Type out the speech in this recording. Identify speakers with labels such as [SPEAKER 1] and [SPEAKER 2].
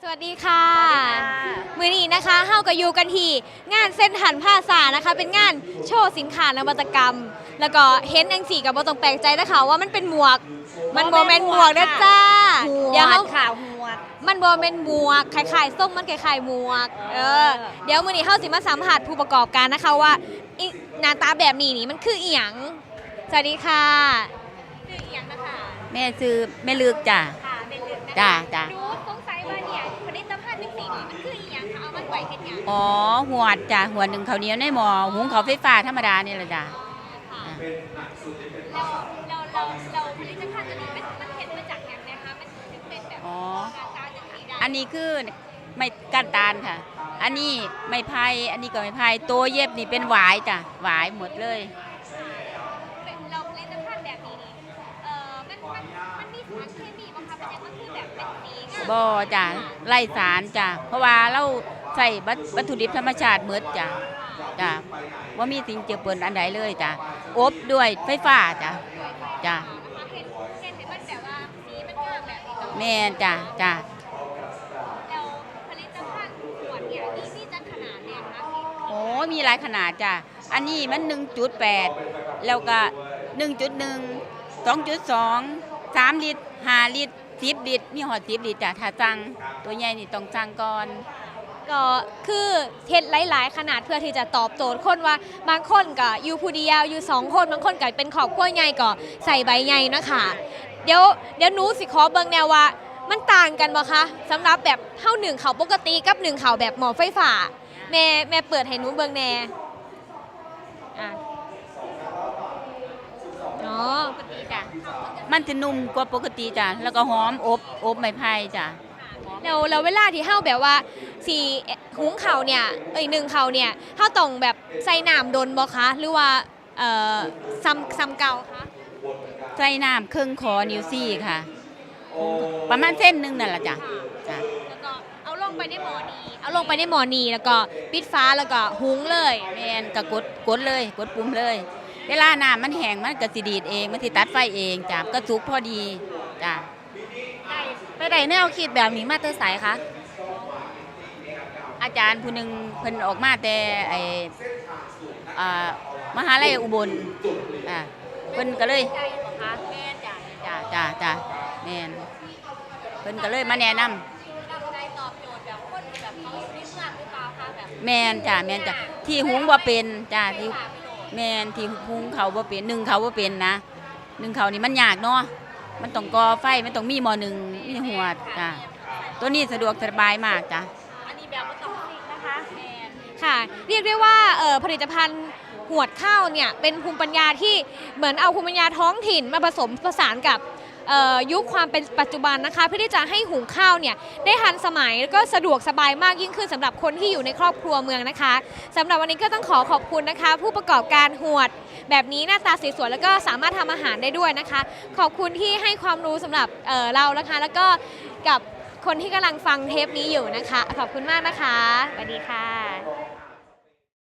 [SPEAKER 1] วัสดีค่ะมื้อนี้นะคะเฮาก็อยู่กันที่งานเส้นทันผ้าซานะคะเป็นงานโชว์สินค้านวัตกรรมแล้วก็เห็นจังสี่ก็บ่ต้องแปลกใจนะคะว่ามันเป็นหมวกมันบ่แม่นหมวกนะจ้า
[SPEAKER 2] เดี๋ยวเขา
[SPEAKER 1] ข่าวหมวกมันบ่แม่นหมวกคล้ายๆส้มมันคล้ายๆหมวกเดี๋ยวมื้อนี้เฮาสิมาสัมภาษณ์ผู้ประกอบการนะคะว่าหน้าตาแบบนี้นี่มันคืออีหยังสวัสดีค่ะคืออีหยังนะคะ
[SPEAKER 2] แม่ซื้อแม่ลึกจ้ะ
[SPEAKER 1] ค่ะเป็นลึกนะคะ
[SPEAKER 2] จ้า
[SPEAKER 1] ดูสงสัยว่าเนี่ยผลิตภัณฑ์จังสี่นี่มันคืออีหยังคะเอามันไว้เฮ็ดหยัง
[SPEAKER 2] อ๋อหัวจ้ะหัวหนึ่งข้าวเหนียวในหม้อหุงข้าวไฟฟ้าธรรมดานี่แหละจ้ะ
[SPEAKER 1] เราผลิตภัณฑ์ตัวนี้มันเห็นมาจากอย่างไรคะมันถึงเป็นแบบการตาจังสีได้
[SPEAKER 2] อันนี้คือไม่ก้านตาลค่ะอันนี้ไม่ไผ่อันนี้ก็ไม่ไผ่ตัวเย็บนี่เป็นหวายจ้ะหวายหมดเลย
[SPEAKER 1] เราผลิตภัณฑ์แบบนี้นี่มันมีสารเคมีบ้างคะเป็นยังมันคือแบบเป็นสี
[SPEAKER 2] บ่จ้ะไร้สารจ้ะเพราะว่าเราใส่วัตถุดิบธรรมชาติหมดจ้ะว่ามีสิ่งเจือปนอันใดเลยจ้ะอบด้วยไฟฟ้าจ้ะ
[SPEAKER 1] เห็นมันแบบว่าสีมันงามแบบนี้
[SPEAKER 2] แม่จ้ะ
[SPEAKER 1] แล้วผลิตภัณฑ์ขวดเนี่ยมีจัดขนาดเนี่ยคะ
[SPEAKER 2] โอ้มีหลายขนาดจ้ะอันนี้มัน 1.8 แล้วก็ 1.1 2.2 3 ลิตร 5 ลิตร 10 ลิตรมีหอด10 ลิตรจ้ะถ้าสั่งตัวใหญ่นี่ต้องสั่งก่อน
[SPEAKER 1] ก็คือเฮ็ดหลายๆขนาดเพื่อที่จะตอบโจทย์คนว่าบางคนก็อยู่ผู้เดียวอยู่2คนบางคนก็เป็นครอบครัวใหญ่ก็ใส่ใบใหญ่นะคะเดี๋ยวหนูสิขอเบิ่งแนวว่ามันต่างกันบ่คะสำหรับแบบเฮาหนึ่งเขาปกติกับหนึ่งเขาแบบหม้อไฟฟ้าแม่เปิดให้หนูเบิ่งแน่อ๋อ
[SPEAKER 2] ปกติจ้ะมันจะนุ่มกว่าปกติจ้ะแล้วก็หอมอบไม้ไผ่จ้ะ
[SPEAKER 1] แล้วเวลาที่เฮาแบบว่าสีหุงข้าวเนี่ยหนึ่งข้าวเนี่ยเฮาต้องแบบใส่น้ำดนบ่คะหรือว่าซ้ำเก่าคะ
[SPEAKER 2] ใส่น้ำครึ่งคอนิ้วซี่ค่ะประมาณเส้นหนึ่งนั่นแหละจ้ะ
[SPEAKER 1] แล้วก็เอาลงไปในหม้อนี้แล้วก็ปิดฟ้าแล้วก็หุงเลย
[SPEAKER 2] แม่นก็กดเลยกดปุ่มเลยเวลาน้ำมันแห้งมันก็สิดีดเองมันสิตัดไฟเองจ้ะก็สุกพอดีจ้ะ
[SPEAKER 1] ไปได้แนวคิดแบบนี้มาแต่ไสคะ
[SPEAKER 2] อาจารย์ผู้หนึ่งเพิ่นออกมาแต่มหาลัยอุบลเพิ่นก็เลย
[SPEAKER 1] แม่
[SPEAKER 2] จ้ะแม่นเพิ่นก็เลยมาแนะนำแม่นจ้ะที่หุงบ่เป็นจ้ะที่แม่นที่หุงเขาบ่เป็นนึ่งเขาบ่เป็นนะนึ่งเขานี่มันยากเนาะมันต้องก่อไฟมันต้องมีหม้อหนึ่งมีหัวจ้ะตัวนี้สะดวกสบายมากจ้ะ
[SPEAKER 1] อันนี้แบบบ่ต้องฟิกนะคะแม่นค่ะเรียกได้ว่าผลิตภัณฑ์หวดข้าวเนี่ยเป็นภูมิปัญญาที่เหมือนเอาภูมิปัญญาท้องถิ่นมาผสมผสานกับยุคความเป็นปัจจุบันนะคะเพื่อที่จะให้หุงข้าวเนี่ยได้ทันสมัยแล้วก็สะดวกสบายมากยิ่งขึ้นสำหรับคนที่อยู่ในครอบครัวเมืองนะคะสำหรับวันนี้ก็ต้องขอบคุณนะคะผู้ประกอบการหวดแบบนี้หน้าตาสวยๆแล้วก็สามารถทำอาหารได้ด้วยนะคะขอบคุณที่ให้ความรู้สำหรับเรานะคะแล้วก็กับคนที่กำลังฟังเทปนี้อยู่นะคะขอบคุณมากนะคะสวัสดีค่ะ